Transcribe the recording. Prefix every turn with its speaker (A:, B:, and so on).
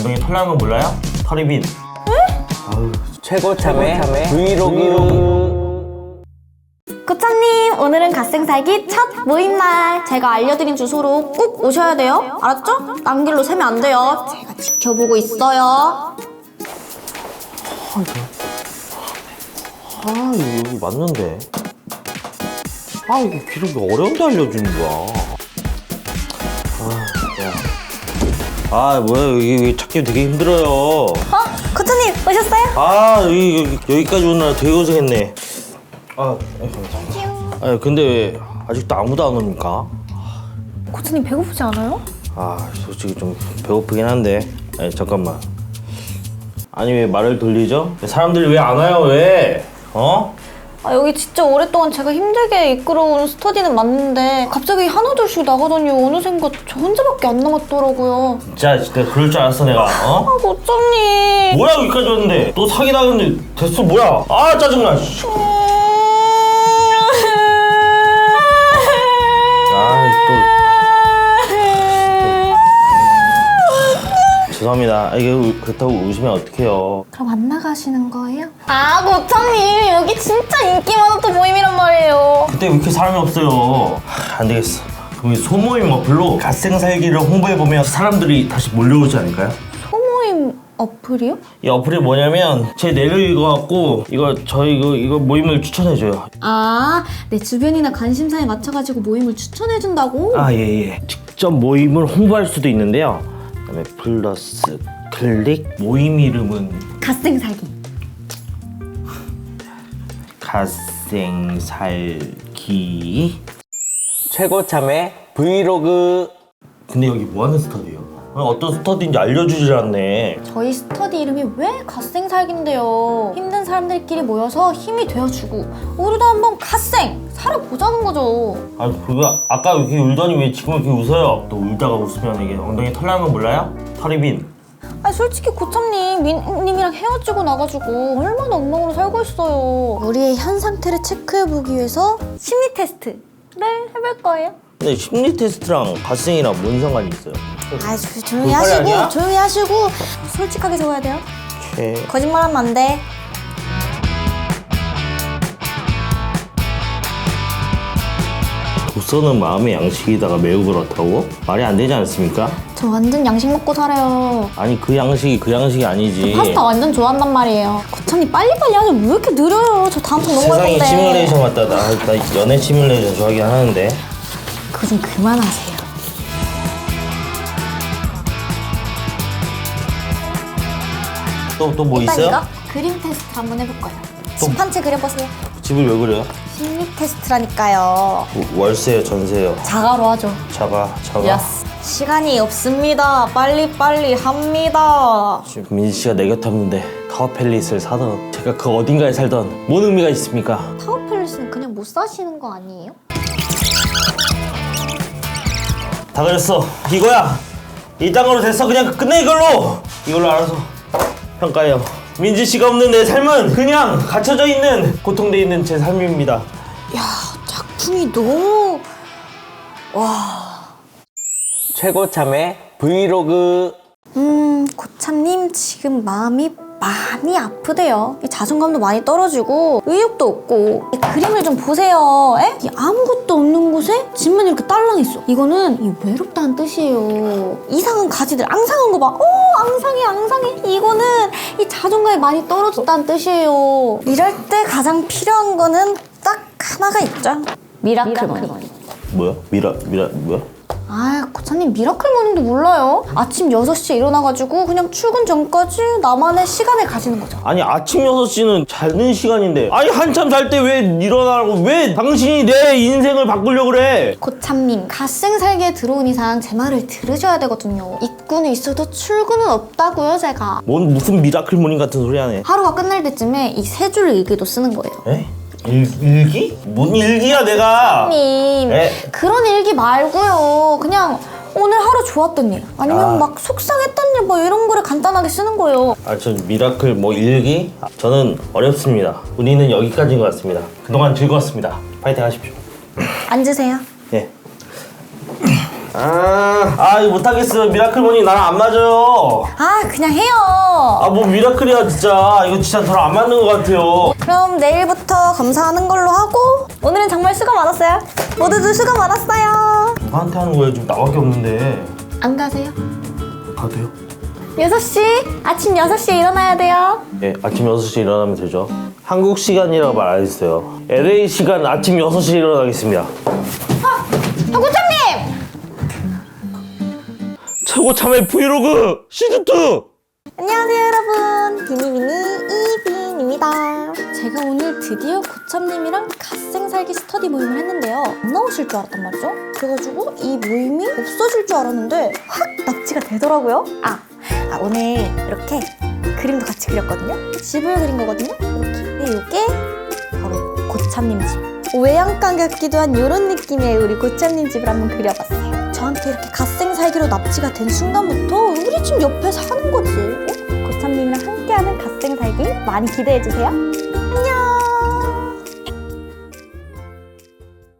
A: 엉덩이 털 나는 거 몰라요? 털이 빈.
B: 아유, 최고 참회 브이로그.
C: 고참님, 오늘은 갓생살기 첫 모임날. 제가 알려드린 주소로 꼭 오셔야 돼요. 알았죠? 딴 길로 새면 안 돼요. 제가 지켜보고 있어요.
A: 여기 맞는데. 이거 길을 왜 어려운데 알려주는 거야. 뭐야, 여기 찾기 되게 힘들어요.
C: 고참님, 오셨어요?
A: 여기까지 오느라 되게 고생했네. 근데 왜 아직도 아무도 안 옵니까?
C: 고참님 배고프지 않아요?
A: 솔직히 좀 배고프긴 한데. 잠깐만. 아니, 왜 말을 돌리죠? 사람들이 왜 안 와요, 왜?
C: 여기 진짜 오랫동안 제가 힘들게 이끌어온 스터디는 맞는데 갑자기 하나둘씩 나가더니 어느샌가 저 혼자밖에 안 남았더라고요.
A: 진짜 그럴 줄 알았어, 내가.
C: 고참님.
A: 뭐야, 여기까지 왔는데. 또 사기당했는데 됐어, 뭐야. 짜증나. 씨. 죄송합니다. 이게 그렇다고 웃으면 어떡해요.
C: 그럼 안 나가시는 거예요? 고참님, 여기 진짜 인기 많았던 모임이란 말이에요.
A: 그때 왜 이렇게 사람이 없어요? 안 되겠어. 그럼 이 소모임 어플로 갓생살기를 홍보해보면 사람들이 다시 몰려오지 않을까요?
C: 소모임 어플이요?
A: 이 어플이 뭐냐면 제 내를 읽어갖고 이거 모임을 추천해줘요.
C: 내 주변이나 관심사에 맞춰가지고 모임을 추천해준다고?
A: 예. 직접 모임을 홍보할 수도 있는데요. 그다음에 플러스 클릭 모임 이름은
C: 갓생살기.
A: 갓생살기.
B: 최고 참회 브이로그.
A: 근데 여기 뭐하는 스터디예요? 어떤 스터디인지 알려주질 않네.
C: 저희 스터디 이름이 왜 갓생살기인데요. 힘든 사람들끼리 모여서 힘이 되어주고 우리도 한번 갓생 살아보자는 거죠.
A: 그거 아까 이렇게 울더니 왜 지금 이렇게 웃어요? 또 울다가 웃으면 이게 엉덩이 털 나는 거 몰라요? 털이 빈.
C: 솔직히 고참님, 민님이랑 헤어지고 나가지고 얼마나 엉망으로 살고 있어요. 우리의 현 상태를 체크해보기 위해서 심리 테스트를 해볼 거예요.
A: 근데 심리 테스트랑 갓생이랑 뭔 상관이 있어요?
C: 조용히
A: 그거 빨리 아니야?
C: 조용히 하시고 솔직하게 적어야 돼요. 거짓말하면 안 돼.
A: 독서는 마음의 양식이다가 매우 그렇다고? 말이 안 되지 않습니까?
C: 저 완전 양식 먹고 살아요.
A: 아니 그 양식이 아니지.
C: 파스타 완전 좋아한단 말이에요. 고참님 빨리빨리 하죠. 왜 이렇게 느려요? 저 다음 편 넘어갈 건데.
A: 세상에 시뮬레이션 같다. 나 연애 시뮬레이션 좋아하긴 하는데.
C: 그거 좀 그만하세요.
A: 또 뭐
C: 일단
A: 있어요?
C: 이거 그림 테스트 한번 해볼 거예요. 집 한 채 그려보세요.
A: 집을 왜 그래요?
C: 심리 테스트라니까요.
A: 월세요, 전세요?
C: 자가로 하죠.
A: 자가.
C: 시간이 없습니다. 빨리빨리 합니다.
A: 지금 민지 씨가 내 곁에 없는데 타워팰리스를 사던 제가 그 어딘가에 살던 뭔 의미가 있습니까?
C: 타워팰리스는 그냥 못 사시는 거 아니에요?
A: 다 그랬어. 이거야. 이 땅으로 됐어. 그냥 끝내 이걸로 알아서 평가해요. 민지 씨가 없는 내 삶은 그냥 갇혀져 있는 고통돼 있는 제 삶입니다.
C: 작품이 너무...
B: 최고 참회 브이로그.
C: 고참님 지금 마음이 많이 아프대요. 자존감도 많이 떨어지고 의욕도 없고. 그림을 좀 보세요. 이 아무것도 없는 곳에 집만 이렇게 딸랑 있어. 이거는 이 외롭다는 뜻이에요. 이상한 가지들 앙상한 거 봐. 앙상해. 이거는 이 자존감이 많이 떨어졌다는 뜻이에요. 이럴 때 가장 필요한 거는 딱 하나가 있죠. 미라클머니.
A: 뭐야? 뭐야?
C: 고참님 미라클머니도 몰라요? 아침 6시에 일어나가지고 그냥 출근 전까지 나만의 시간을 가지는 거죠.
A: 아니 아침 6시는 자는 시간인데 한참 잘 때 왜 일어나라고 왜 당신이 내 인생을 바꾸려고 그래?
C: 고참님, 갓생살기에 들어온 이상 제 말을 들으셔야 되거든요. 입구는 있어도 출근은 없다고요, 제가.
A: 무슨 미라클모닝 같은 소리 하네.
C: 하루가 끝날 때쯤에 이 세 줄 일기도 쓰는 거예요.
A: 일기? 뭔 일기야 내가?
C: 님, 그런 일기 말고요. 그냥 오늘 하루 좋았던 일 아니면 막 속상했던 일 뭐 이런 거를 간단하게 쓰는 거예요.
A: 저 미라클 일기? 저는 어렵습니다. 우리는 여기까지인 것 같습니다. 그동안 즐거웠습니다. 파이팅 하십시오.
C: 앉으세요.
A: 예. 이거 못하겠어요. 미라클몬이 나랑 안 맞아요.
C: 아 그냥 해요.
A: 뭐 미라클이야 진짜. 이거 진짜 저랑 안 맞는 것 같아요.
C: 그럼 내일부터 검사하는 걸로 하고 오늘은 정말 수고 많았어요. 모두들 수고 많았어요.
A: 누구한테 하는 거예요? 지금 나밖에 없는데.
C: 안 가세요?
A: 가도 돼요?
C: 6시 아침 6시에 일어나야 돼요.
A: 네, 아침 6시에 일어나면 되죠. 한국 시간이라고 말 안 했어요. LA 시간 아침 6시에 일어나겠습니다.
C: 고참님!
A: 최고 참외 브이로그 시즌2!
C: 안녕하세요 여러분, 비니비니 이빈입니다. 제가 오늘 드디어 고참님이랑 갓생살기 스터디 모임을 했는데요. 안 나오실 줄 알았단 말이죠. 그래가지고 이 모임이 없어질 줄 알았는데 확 납치가 되더라고요. 오늘 이렇게 그림도 같이 그렸거든요. 집을 그린 거거든요. 이렇게. 근데 이게 바로 고참님 집. 외양간 같기도 한 이런 느낌의 우리 고참님 집을 한번 그려봤어요. 저한테 이렇게 갓생살기로 납치가 된 순간부터 우리 집 옆에 사는 거지. 고참님이랑 함께하는 갓생살기 많이 기대해주세요. 안녕.